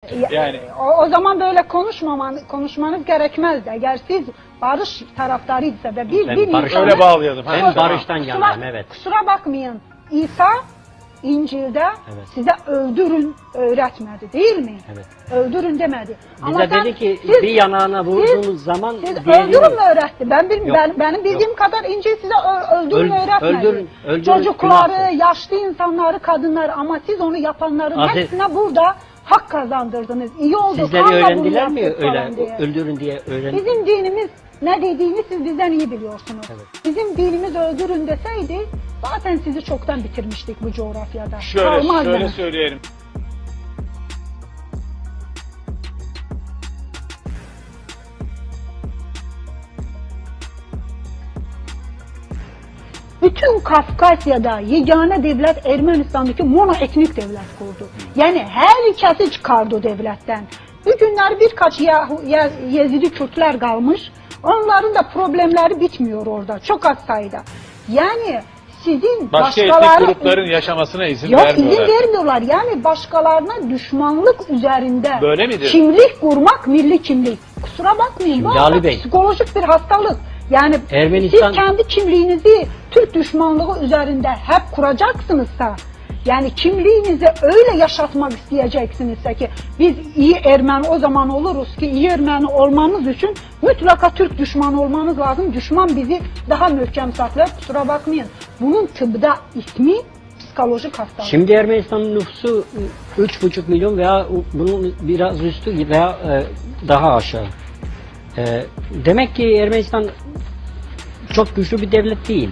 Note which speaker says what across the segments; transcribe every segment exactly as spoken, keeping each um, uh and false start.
Speaker 1: Yani
Speaker 2: o, o zaman böyle konuşmaman, konuşmanız gerekmezdi. Eğer siz barış taraftarıysa ve bir,
Speaker 3: Ben
Speaker 2: bir
Speaker 3: barış-
Speaker 2: insana-
Speaker 1: öyle bağlayalım.
Speaker 3: Ben
Speaker 1: Ha, tamam.
Speaker 3: barıştan
Speaker 2: kusura,
Speaker 3: yanayım, evet.
Speaker 2: kusura bakmayın. İsa İncil'de
Speaker 3: Evet.
Speaker 2: size öldürün öğretmedi değil mi?
Speaker 3: Evet.
Speaker 2: Öldürün demedi.
Speaker 3: Bize
Speaker 2: sen-
Speaker 3: dedi ki
Speaker 2: siz-
Speaker 3: bir yanağına vurduğunuz
Speaker 2: siz,
Speaker 3: zaman
Speaker 2: siz
Speaker 3: diğerini-
Speaker 2: öldürün mü öğretti? Ben, bil,
Speaker 3: Yok,
Speaker 2: ben benim bildiğim kadar İncil size ö- öldürün
Speaker 3: Öl-
Speaker 2: öğretmedi.
Speaker 3: öldürün- öldürün,
Speaker 2: Çocukları,
Speaker 3: günahtır.
Speaker 2: yaşlı insanları, kadınları, ama siz onu yapanların
Speaker 3: Aziz-
Speaker 2: hepsine burada hak kazandırdınız. İyi oldu.
Speaker 3: Sizleri
Speaker 2: kanla bunu
Speaker 3: öğrendiler mi
Speaker 2: yaptık
Speaker 3: öyle
Speaker 2: falan diye.
Speaker 3: öldürün diye öğrendi?
Speaker 2: Bizim dinimiz ne dediğini siz bizden iyi biliyorsunuz.
Speaker 3: Evet.
Speaker 2: Bizim dinimiz öldürün deseydi zaten sizi çoktan bitirmiştik bu coğrafyada.
Speaker 1: Şöyle,
Speaker 2: Kalmaz
Speaker 1: şöyle
Speaker 2: yani.
Speaker 1: söyleyelim.
Speaker 2: Bütün Kafkasya'da yegane devlet Ermenistan'daki monoetnik devlet kurdu. Yani herkesi çıkardı o devletten. Bugünler birkaç Yahu, Ye- Yezidi Kürtler kalmış. Onların da problemleri bitmiyor orada. Çok az sayıda. Yani sizin
Speaker 1: Başka etnik
Speaker 2: başkaları...
Speaker 1: grupların yaşamasına izin
Speaker 2: Yok,
Speaker 1: vermiyorlar.
Speaker 2: izin vermiyorlar. Yani başkalarına düşmanlık üzerinde
Speaker 1: Böyle midir?
Speaker 2: kimlik kurmak milli kimlik. Kusura bakmayın.
Speaker 3: Şimdi
Speaker 2: Bu
Speaker 3: Ali
Speaker 2: aslında
Speaker 3: Bey,
Speaker 2: psikolojik bir hastalık. Yani
Speaker 3: Ermenistan-
Speaker 2: siz kendi kimliğinizi Türk düşmanlığı üzerinde hep kuracaksınızsa, yani kimliğinizi öyle yaşatmak isteyeceksinizse ki biz iyi Ermeni o zaman oluruz ki iyi Ermeni olmanız için mutlaka Türk düşmanı olmanız lazım. Düşman bizi daha mühkem saklar. Kusura bakmayın. Bunun tıbda ismi psikolojik hastalık.
Speaker 3: Şimdi Ermenistan'ın nüfusu üç buçuk milyon veya bunun biraz üstü veya e, daha aşağı. E, demek ki Ermenistan çok güçlü bir devlet değil.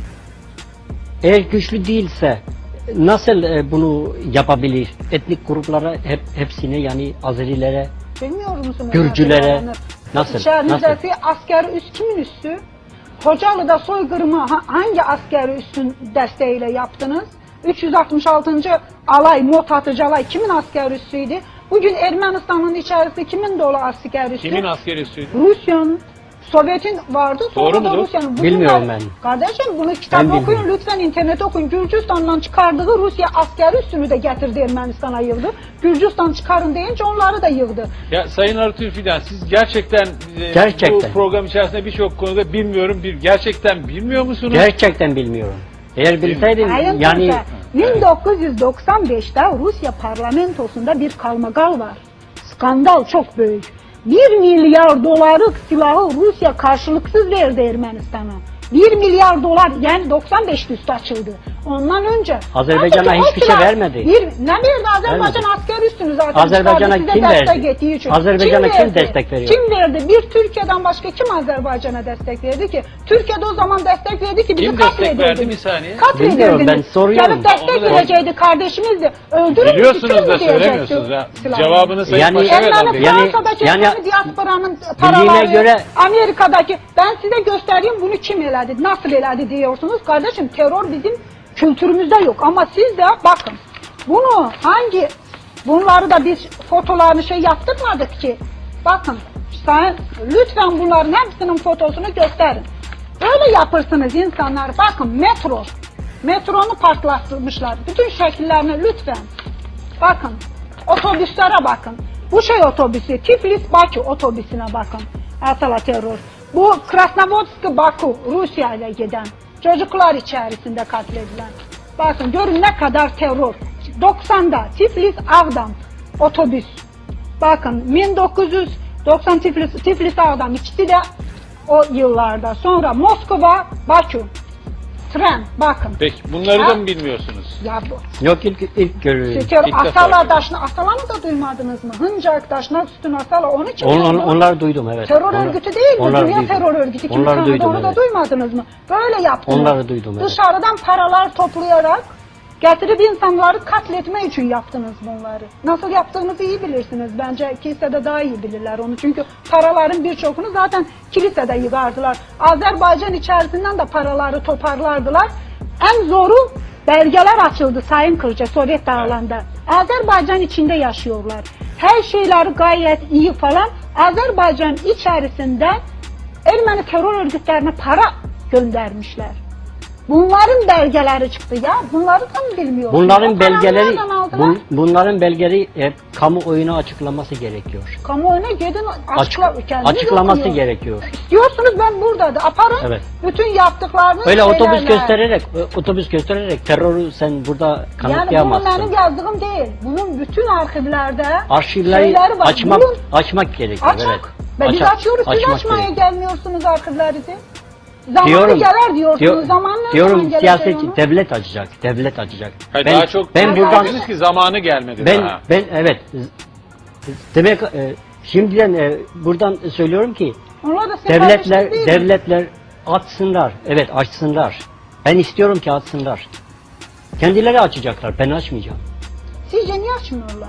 Speaker 3: Eğer güçlü değilse nasıl e, bunu yapabilir? Etnik gruplara hep hepsine, yani Azerilere,
Speaker 2: Bilmiyor musunuz?
Speaker 3: Gürcülere nasıl?
Speaker 2: İçerinizdeki asker üst kimin üstü? Hocalı'da soykırımı ha- hangi askeri üstün desteğiyle yaptınız? üç yüz altmış altıncı alay, mot atıcı alay kimin asker üssüydü? Bugün Ermenistan'ın içerisinde kimin dolu asker üssü?
Speaker 1: Kimin askeri üssüydü?
Speaker 2: Rusya'nın, Sovyet'in vardı. Sonra
Speaker 1: Doğru
Speaker 2: da
Speaker 1: mudur?
Speaker 2: Rusya'nın.
Speaker 3: Bilmiyorum
Speaker 2: Bunlar-
Speaker 3: ben.
Speaker 2: Kardeşim bunu kitap
Speaker 3: Ben
Speaker 2: okuyun,
Speaker 3: bilmiyorum.
Speaker 2: lütfen internet okuyun. Gürcistan'dan çıkardığı Rusya asker üssünü de getirdi Ermenistan'a yığdı. Gürcistan çıkarın deyince onları da yığdı.
Speaker 1: Ya Sayın Artur Fidan, siz gerçekten, e,
Speaker 3: Gerçekten.
Speaker 1: bu program içerisinde birçok konuda bilmiyorum, bir gerçekten bilmiyor musunuz?
Speaker 3: Gerçekten bilmiyorum. Eğer bilseydim
Speaker 2: Sayın
Speaker 3: yani
Speaker 2: Tunca, bin dokuz yüz doksan beşte Rusya parlamentosunda bir kalmagal var. Skandal çok büyük. Bir milyar dolarlık silahı Rusya karşılıksız verdi Ermenistan'a. Bir milyar dolar, yani doksan beşte üstü açıldı. Ondan önce
Speaker 3: Azerbaycan'a
Speaker 2: Halbuki o
Speaker 3: hiçbir şey
Speaker 2: silah
Speaker 3: vermedi.
Speaker 2: Bir, ne verdi? Azerbaycan
Speaker 3: Vermedi.
Speaker 2: asker üstünü zaten
Speaker 3: Azerbaycan'a
Speaker 2: çıkardı, size
Speaker 3: kim
Speaker 2: destek
Speaker 3: verdi?
Speaker 2: ettiği için.
Speaker 3: Azerbaycan'a kim
Speaker 2: verdi?
Speaker 3: destek veriyor?
Speaker 2: Kim verdi? Bir Türkiye'den başka kim Azerbaycan'a destek verdi ki? Türkiye'de o zaman destek verdi ki bizi
Speaker 1: Kim destek verdi?
Speaker 2: katlediyordu.
Speaker 1: Bir saniye.
Speaker 3: Bilmiyorum, ben
Speaker 2: Katledirdiniz.
Speaker 3: soruyorum.
Speaker 2: Gelip destek
Speaker 1: Onu da-
Speaker 2: verecekti kardeşimizdi. Öldürün
Speaker 1: Biliyorsunuz
Speaker 2: bitirin
Speaker 1: da
Speaker 2: mi diyecekti
Speaker 1: söylemiyorsunuz ha.
Speaker 2: silahı.
Speaker 1: Cevabını Sayın
Speaker 3: Yani-
Speaker 1: Paşa verdi.
Speaker 2: Ermeni
Speaker 3: Yani-
Speaker 2: Fransa'daki
Speaker 3: yani-
Speaker 2: Ermeni diasporanın
Speaker 3: Bildiğine
Speaker 2: paraları,
Speaker 3: göre-
Speaker 2: Amerika'daki, ben size göstereyim bunu kim eledi, nasıl eledi diyorsunuz. Kardeşim terör bizim kültürümüzde yok ama siz de bakın bunu hangi, bunları da biz fotolarını şey yaptırmadık ki. Bakın sen lütfen bunların hepsinin fotosunu gösterin. Böyle yapırsınız insanlar. Bakın metro. Metronu patlatmışlar. Bütün şekillerini lütfen. Bakın. Otobüslere bakın. Bu şey otobüsü. Tiflis-Bakü otobüsüne bakın. Asala terör. Bu Krasnovodsk-Baku Rusya ile giden. Çocuklar içerisinde katledilen. Bakın görün ne kadar terör. doksanda Tiflis-Ağdam otobüs. Bakın bin dokuz yüz doksan Tiflis, Tiflis-Ağdam ikisi de o yıllarda. Sonra Moskova, Bakü. Tren bakın.
Speaker 1: Peki bunları
Speaker 2: Ha?
Speaker 1: da mı bilmiyorsunuz?
Speaker 2: Ya bu.
Speaker 3: yok ilk ilk görüyorum.
Speaker 2: Şeker
Speaker 1: İlk defa
Speaker 2: Asala
Speaker 1: görüyorum.
Speaker 2: Daşna, Asala'nı da duymadınız mı? Hıncak Daşna Sütün Asala, onu kim
Speaker 3: On, on,
Speaker 2: yaptı?
Speaker 3: onlar duydum, evet.
Speaker 2: Terör
Speaker 3: Onlar-
Speaker 2: örgütü değil mi?
Speaker 3: onları
Speaker 2: Dünya
Speaker 3: duydum.
Speaker 2: terör örgütü. Kim
Speaker 3: Onları
Speaker 2: tanıdı,
Speaker 3: duydum,
Speaker 2: onu da
Speaker 3: evet.
Speaker 2: duymadınız mı? Böyle yaptınız.
Speaker 3: Onları duydum, evet.
Speaker 2: Dışarıdan paralar toplayarak getirip insanları katletme için yaptınız bunları. Nasıl yaptığınızı iyi bilirsiniz. Bence kilisede daha iyi bilirler onu. Çünkü paraların birçokunu zaten kilisede yığardılar. Azerbaycan içerisinden de paraları toparlardılar. En zoru belgeler açıldı Sayın Kırca Sovyet dağlarında. Azerbaycan içinde yaşıyorlar. Her şeyleri gayet iyi falan. Azerbaycan içerisinde Ermeni terör örgütlerine para göndermişler. Bunların belgeleri çıktı ya. Bunları da mı bilmiyorsunuz?
Speaker 3: Bunların
Speaker 2: O kararı
Speaker 3: belgeleri
Speaker 2: nereden aldılar?
Speaker 3: bun- bunların belgeleri hep kamuoyuna açıklaması gerekiyor.
Speaker 2: Kamuoyuna gidin
Speaker 3: Açık,
Speaker 2: açıkla, kendiniz
Speaker 3: açıklaması
Speaker 2: okuyun.
Speaker 3: gerekiyor.
Speaker 2: İstiyorsunuz ben burada da aparın.
Speaker 3: Evet.
Speaker 2: Bütün yaptıklarını
Speaker 3: Öyle otobüs
Speaker 2: şeylerle.
Speaker 3: göstererek otobüs göstererek terörü sen burada
Speaker 2: Yani bunu
Speaker 3: kanıtlayamazsın.
Speaker 2: benim yazdığım değil. Bunun bütün arşivlerde
Speaker 3: Arşivleri
Speaker 2: şeyleri var.
Speaker 3: açmak
Speaker 2: Bunun-
Speaker 3: açmak gerekiyor.
Speaker 2: Açak.
Speaker 3: Evet.
Speaker 2: Ve biz
Speaker 3: Açak-
Speaker 2: açıyoruz, siz
Speaker 3: açmak
Speaker 2: açmaya
Speaker 3: gerekiyor.
Speaker 2: gelmiyorsunuz arşivlerinizi. Zamanı
Speaker 3: Diyorum,
Speaker 2: gelir diyorsunuz,
Speaker 3: diyor-
Speaker 2: zamanı ne
Speaker 3: diyorum
Speaker 2: zaman gelecek
Speaker 3: siyaset
Speaker 2: onu?
Speaker 3: devlet açacak, devlet açacak.
Speaker 1: Hayır,
Speaker 3: ben
Speaker 1: daha çok
Speaker 3: ben
Speaker 2: Ben
Speaker 3: buradan
Speaker 1: dediniz ki zamanı gelmedi
Speaker 3: ben
Speaker 1: daha.
Speaker 3: ben evet demek e, şimdiden e, buradan söylüyorum ki
Speaker 2: Onlar da sizin
Speaker 3: devletler
Speaker 2: kardeşiniz değil mi?
Speaker 3: devletler açsınlar. Evet açsınlar. Ben istiyorum ki açsınlar. Kendileri açacaklar. Ben açmayacağım.
Speaker 2: Sizce niye açmıyorlar?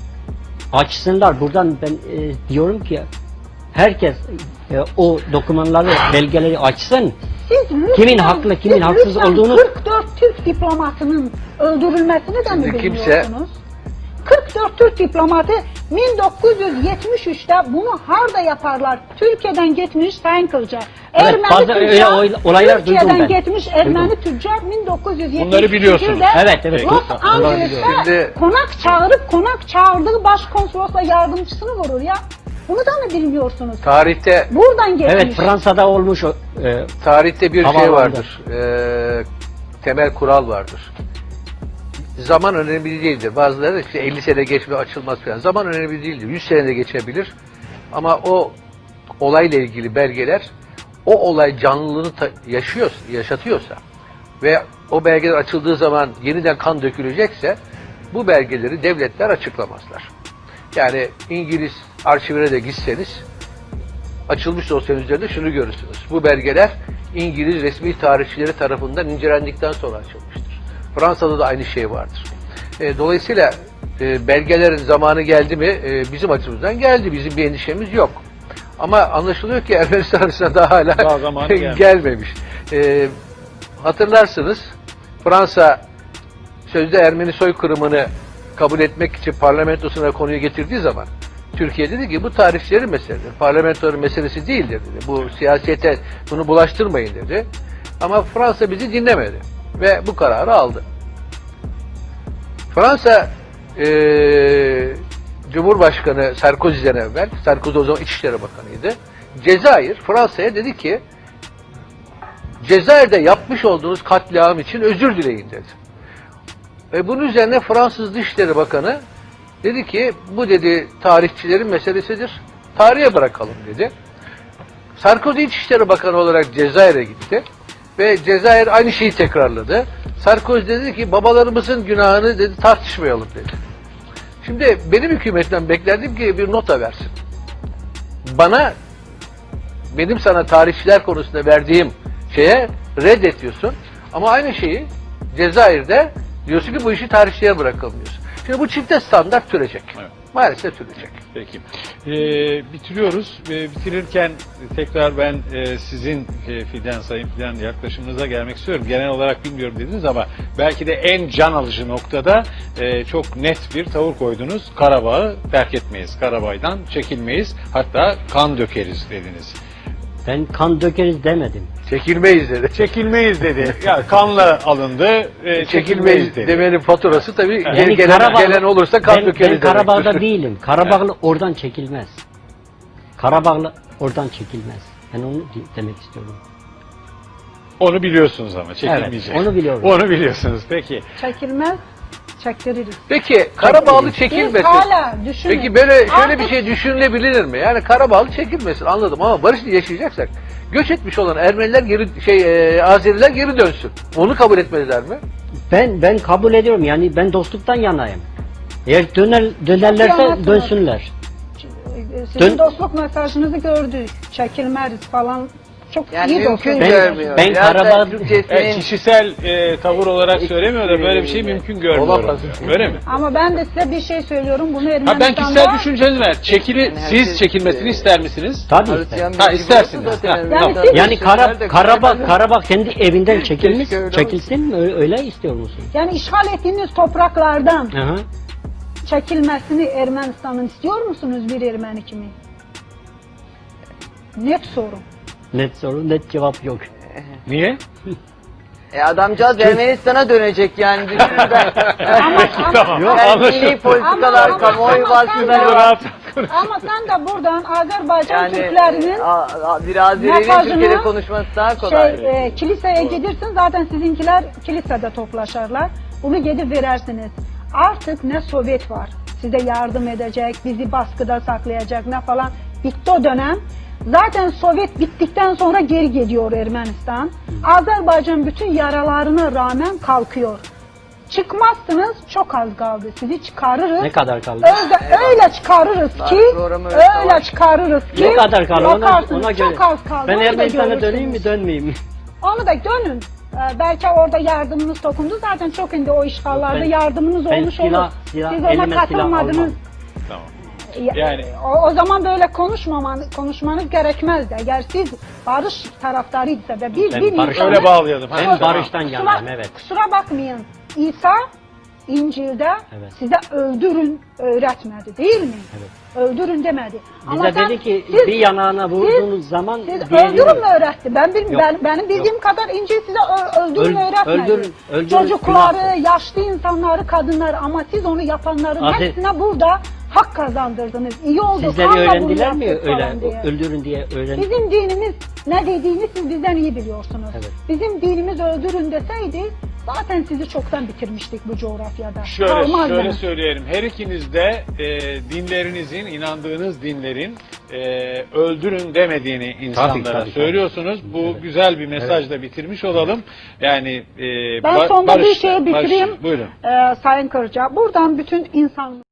Speaker 3: Açsınlar. Buradan ben e, diyorum ki herkes e, o dokümanları, belgeleri açsın.
Speaker 2: Siz lütfen,
Speaker 3: Kimin haklı, kimin
Speaker 2: siz
Speaker 3: haksız
Speaker 2: lütfen
Speaker 3: olduğunu-
Speaker 2: kırk dört Türk diplomatının öldürülmesini de mi
Speaker 4: Şimdi kimse-
Speaker 2: bilmiyorsunuz? kırk dört Türk diplomatı bin dokuz yüz yetmiş üçte bunu harda yaparlar. Türkiye'den gitmiş Sayın Kılca.
Speaker 3: Evet,
Speaker 2: Ermeni
Speaker 3: bazı
Speaker 2: tüccar,
Speaker 3: öyle oy- olaylar duydum
Speaker 2: Türkiye'den
Speaker 3: ben.
Speaker 2: gitmiş Ermeni
Speaker 3: Duydum.
Speaker 2: tüccar bin dokuz yüz yetmiş
Speaker 1: Bunları biliyorsunuz.
Speaker 2: üçte
Speaker 3: Evet, evet.
Speaker 2: Los
Speaker 3: Bunları
Speaker 2: Angeles'te
Speaker 4: Şimdi-
Speaker 2: konak çağırıp konak çağırdığı başkonsolosla yardımcısını vurur ya. Bunu da mı bilmiyorsunuz?
Speaker 4: Tarihte
Speaker 2: Buradan gelmiş.
Speaker 3: Evet Fransa'da olmuş o, e,
Speaker 4: tarihte bir şey
Speaker 3: Havalandı.
Speaker 4: vardır. Ee, temel kural vardır. Zaman önemli değildir. Bazıları da işte elli sene geçme açılmaz falan. Zaman önemli değildir. yüz senede geçebilir. Ama o olayla ilgili belgeler o olay canlılığını ta- yaşıyor, yaşatıyorsa ve o belgeler açıldığı zaman yeniden kan dökülecekse bu belgeleri devletler açıklamazlar. Yani İngiliz arşivine de gitseniz açılmış dosyanın üzerinde şunu görürsünüz. Bu belgeler İngiliz resmi tarihçileri tarafından incelendikten sonra açılmıştır. Fransa'da da aynı şey vardır. E, dolayısıyla e, belgelerin zamanı geldi mi e, bizim açımızdan geldi. Bizim bir endişemiz yok. Ama anlaşılıyor ki Ermenistan arasında daha hala
Speaker 1: Daha zamanı gelmemiş.
Speaker 4: gelmemiş. E, hatırlarsınız Fransa sözde Ermeni soykırımını kabul etmek için parlamentosuna konuyu getirdiği zaman Türkiye dedi ki bu tarihçilerin meselesidir. Parlamentoların meselesi değildir dedi. Bu siyasete bunu bulaştırmayın dedi. Ama Fransa bizi dinlemedi. Ve bu kararı aldı. Fransa eee Cumhurbaşkanı Sarkozy'den evvel, Sarkozy o zaman İçişleri Bakanı'ydı. Cezayir Fransa'ya dedi ki Cezayir'de yapmış olduğunuz katliam için özür dileyin dedi. Ve bunun üzerine Fransız Dışişleri Bakanı dedi ki bu dedi tarihçilerin meselesidir. Tarihe bırakalım dedi. Sarkozy İçişleri Bakanı olarak Cezayir'e gitti. Ve Cezayir aynı şeyi tekrarladı. Sarkozy dedi ki babalarımızın günahını dedi tartışmayalım dedi. Şimdi benim hükümetten beklerdim ki bir nota versin. Bana benim sana tarihçiler konusunda verdiğim şeye reddediyorsun. Ama aynı şeyi Cezayir'de diyorsun ki bu işi tarihçilere bırakalım diyorsun. Şimdi bu çifte standart sürecek.
Speaker 1: Evet.
Speaker 4: Maalesef sürecek.
Speaker 1: Peki. Ee, bitiriyoruz. Ee, bitirirken tekrar ben e, sizin e, Fidan, Sayın Fidan yaklaşımınıza gelmek istiyorum. Genel olarak bilmiyorum dediniz ama belki de en can alıcı noktada e, çok net bir tavır koydunuz. Karabağ'ı terk etmeyiz. Karabağ'dan çekilmeyiz. Hatta kan dökeriz dediniz.
Speaker 3: ben kan dökeriz demedim.
Speaker 4: Çekilmeyiz dedi.
Speaker 1: Çekilmeyiz dedi. Ya kanla alındı. E, çekilmeyiz
Speaker 4: Çekilmeyiz
Speaker 1: dedi.
Speaker 4: demenin faturası tabii
Speaker 3: Yani
Speaker 4: gelen,
Speaker 3: Karabağ-
Speaker 4: gelen olursa kan
Speaker 3: ben,
Speaker 4: dökeriz
Speaker 3: ben Karabağ'da
Speaker 4: demektir.
Speaker 3: değilim. Karabağlı oradan çekilmez. Karabağlı oradan çekilmez. Ben onu di- demek istiyorum.
Speaker 1: Onu biliyorsunuz ama çekilmeyecek.
Speaker 3: Evet, onu biliyorum.
Speaker 1: Onu biliyorsunuz. Peki.
Speaker 2: Çekilmez, çektiririz.
Speaker 4: Peki Karabağlı
Speaker 2: Biz
Speaker 4: çekilmesin.
Speaker 2: hala düşünün.
Speaker 4: Peki böyle şöyle
Speaker 2: Artık
Speaker 4: bir şey düşünülebilir mi? Yani Karabağlı çekilmesin anladım ama barışla yaşayacaksak göç etmiş olan Ermeniler geri şey e, Azeriler geri dönsün. Onu kabul etmezler mi?
Speaker 3: Ben ben kabul ediyorum. Yani ben dostluktan yanayım. Eğer döner,
Speaker 2: Çok iyi
Speaker 3: dönerlerse
Speaker 2: anlattınız.
Speaker 3: dönsünler.
Speaker 2: Sizin
Speaker 3: Dön-
Speaker 2: dostluk mesajınızı gördük. Çekilmez falan. Çok
Speaker 5: Yani
Speaker 2: iyi
Speaker 5: mümkün
Speaker 2: dostluk.
Speaker 3: Ben-
Speaker 5: görmüyor.
Speaker 3: ben
Speaker 5: Biraz da
Speaker 3: Karabağ-
Speaker 5: Türkçesinin
Speaker 1: Evet, kişisel e, tavır olarak söylemiyor da böyle bir şey mümkün görmüyorum.
Speaker 4: Olamaz.
Speaker 1: Öyle mi?
Speaker 2: Ama ben de size bir şey söylüyorum. Bunu
Speaker 1: Ha
Speaker 2: Ermenistan'da...
Speaker 1: ben kişisel düşüncenizi ver. Çekili,
Speaker 5: Yani
Speaker 1: siz
Speaker 5: herkes-
Speaker 1: çekilmesini ister misiniz?
Speaker 3: Tabii.
Speaker 5: Hristiyan
Speaker 1: Ha,
Speaker 5: bir gibi
Speaker 1: istersiniz.
Speaker 5: olsa
Speaker 1: Ha,
Speaker 5: zaten
Speaker 1: tamam.
Speaker 5: Ermenistan'da
Speaker 3: Yani Kara,
Speaker 5: Türkler de-
Speaker 3: Karabağ, Karabağ kendi evinden çekilmiş,
Speaker 5: Keşke öyle
Speaker 3: çekilsin mi? Öyle, öyle istiyor musun?
Speaker 2: Yani işgal ettiğiniz topraklardan
Speaker 3: Aha.
Speaker 2: çekilmesini Ermenistan'ın istiyor musunuz bir Ermeni kimi? Net soru.
Speaker 3: Net soru, net cevap yok.
Speaker 1: Niye?
Speaker 5: E adamcağız Ermenistan'a dönecek yani düşünürden.
Speaker 1: Tamam.
Speaker 5: Yani
Speaker 1: Anlaşıldı.
Speaker 5: dini politikalar,
Speaker 2: Ama-
Speaker 5: kamuoyu
Speaker 2: ama-
Speaker 5: baskıları
Speaker 2: ama-
Speaker 5: var.
Speaker 2: Ama sen de buradan Azerbaycan
Speaker 5: Yani
Speaker 2: Türklerinin
Speaker 5: a, a, bir Azeri'nin
Speaker 2: mesajını
Speaker 5: Türkiye'de konuşması daha kolay.
Speaker 2: şey, e, kiliseye gidersin zaten sizinkiler kilisede toplaşırlar. Bunu gidip verersiniz. Artık ne Sovyet var size yardım edecek, bizi baskıda saklayacak ne falan. Bitti o dönem. Zaten Sovyet bittikten sonra geri gidiyor Ermenistan. Azerbaycan bütün yaralarına rağmen kalkıyor. Çıkmazsınız çok az kaldı. Sizi çıkarırız.
Speaker 3: Ne kadar kaldı?
Speaker 2: Öyle, öyle çıkarırız ki,
Speaker 5: Programı
Speaker 2: öyle
Speaker 5: savaş.
Speaker 2: çıkarırız ki.
Speaker 3: Ne kadar kaldı? Ona,
Speaker 2: bakarsınız,
Speaker 3: ona göre.
Speaker 2: Çok az kaldı.
Speaker 3: Ben
Speaker 2: onu da
Speaker 3: Ermenistan'a
Speaker 2: görürsünüz.
Speaker 3: döneyim mi dönmeyeyim mi?
Speaker 2: Onu da dönün. Ee, belki orada yardımınız dokundu. Zaten çok indi o işgallarda
Speaker 3: Ben-
Speaker 2: yardımınız
Speaker 3: ben
Speaker 2: olmuş
Speaker 3: silah-
Speaker 2: olur.
Speaker 3: silah-
Speaker 2: Siz ona
Speaker 3: elime silah
Speaker 2: katılmadınız.
Speaker 3: almam.
Speaker 1: Tamam.
Speaker 2: Ya-
Speaker 1: Yani-
Speaker 2: o, o zaman böyle konuşmaman, konuşmanız gerekmezdi. Eğer siz barış taraftarıysa ve bir,
Speaker 3: Ben
Speaker 2: bir
Speaker 3: barış-
Speaker 2: insanı-
Speaker 1: Öyle bağlayalım.
Speaker 3: Ben
Speaker 1: Ha, tamam.
Speaker 3: barıştan
Speaker 2: Kusura,
Speaker 3: yanayım, evet.
Speaker 2: kusura bakmayın. İsa İncil'de
Speaker 3: Evet.
Speaker 2: size öldürün öğretmedi değil mi?
Speaker 3: Evet.
Speaker 2: Öldürün demedi.
Speaker 3: Bize
Speaker 2: sen-
Speaker 3: dedi ki
Speaker 2: siz-
Speaker 3: bir yanağına vurduğunuz zaman
Speaker 2: Siz
Speaker 3: diğerini-
Speaker 2: öldürün mü öğretti? Ben, bil,
Speaker 3: Yok.
Speaker 2: ben benim bildiğim kadar İncil size ö- öldürün
Speaker 3: Öl-
Speaker 2: öğretmedi.
Speaker 3: öldürün- öldürün,
Speaker 2: Çocukları,
Speaker 3: günahtır.
Speaker 2: yaşlı insanları, kadınları ama siz onu yapanların
Speaker 3: Aziz-
Speaker 2: hepsine burada hak kazandırdınız. İyi oldu.
Speaker 3: Sizleri
Speaker 2: kanla bunu
Speaker 3: öğrendiler mi
Speaker 2: yaptık
Speaker 3: öyle
Speaker 2: falan diye.
Speaker 3: öldürün diye öğren?
Speaker 2: Bizim dinimiz ne dediğini siz bizden iyi biliyorsunuz.
Speaker 3: Evet.
Speaker 2: Bizim dinimiz öldürün deseydi zaten sizi çoktan bitirmiştik bu coğrafyada.
Speaker 1: Şöyle,
Speaker 2: Kalmazdınız.
Speaker 1: şöyle söyleyelim. Her ikiniz de e, dinlerinizin, inandığınız dinlerin e, öldürün demediğini insanlara
Speaker 3: tabii,
Speaker 1: söylüyorsunuz. Bu
Speaker 3: Evet.
Speaker 1: güzel bir mesajla bitirmiş olalım. Yani e,
Speaker 2: Ben
Speaker 1: ba-
Speaker 2: sonda bir
Speaker 1: barış-
Speaker 2: şey bitireyim.
Speaker 1: barış- buyurun.
Speaker 2: Ee, Sayın Kırca. Buradan bütün insan